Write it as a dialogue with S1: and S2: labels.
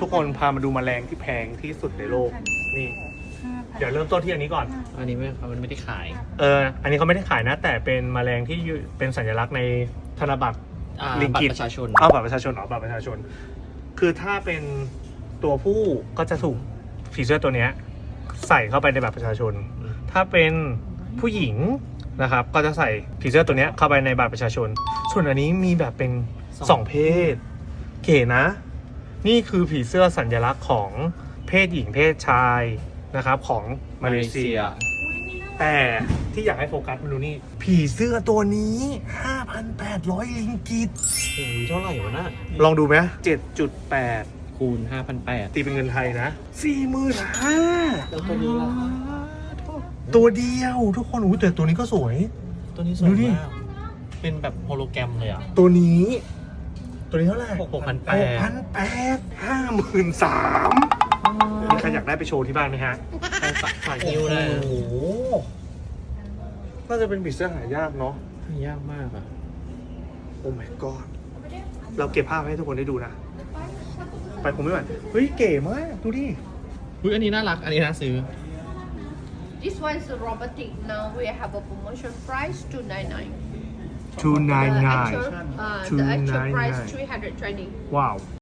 S1: กคนพามาดูแมลงที่แพงที่สุดในโลกนี่เดี๋ยวเริ่มต้นที่อันนี้ก่อน
S2: อันนี้มันไม่ได้ขาย
S1: อันนี้เขาไม่ได้ขายนะแต่เป็นแมลงที่เป็นสัญลักษณ์ในธนบัตร ลิง
S2: บัต
S1: กิต
S2: รประชาชน
S1: บัตรประชาชนบัตรประชาชน คือถ้าเป็นตัวผู้ก็จะถูกผีเสื้อตัวเนี้ยใส่เข้าไปในบัตรประชาชน ถ้าเป็นผู้หญิงนะครับก็จะใส่ผีเสื้อตัวเนี้ยเข้าไปในบัตรประชาชน ส่วนอันนี้มีแบบเป็นสองเพศเก๋นะ นี่คือผีเสื้อสัญลักษณ์ของเพศหญิงเพศชายนะครับของมาเลเซีย แต่ที่อยากให้โฟกัสมาดูนี่ผีเสื้อตัวนี้ 5,800 ลิงกิต
S2: โอ้ยเท่าไหร่วะน่ะ
S1: ลองดูไหม7.8
S2: คูณ 5,800
S1: ตีเป็นเงินไทยนะ 45,000
S2: แล้วตัวนี้ล่ะ
S1: ตัวเดียวทุกคนอู้แต่ตัวนี้ก็สวย
S2: ตัวนี้สวย
S1: ดูดิ
S2: มาก เป็นแบบโฮโลแกรมเลยอ่ะ
S1: ตัวนี้เท่าไหร่
S2: 6,800
S1: 53,000มีใครอยากได้ไปโชว์ที่บ้านไหมฮะ
S2: ฝากนิ้วได้
S1: โอ้โหน่าจะเป็นผีเสื้อหายากเนาะ
S2: ยากมากอ่ะ
S1: โอ้ my god เราเก็บภาพให้ทุกคนได้ดูนะ ไปคงไม่ไหวเฮ้ยเก๋มากดูดิ
S2: อุ้ยอันนี้น่ารัก อันนี้น่าซื้อ
S3: This one is robotic. Now we have a promotion price 299.
S1: 299
S3: The actual price 320.
S1: ว้าว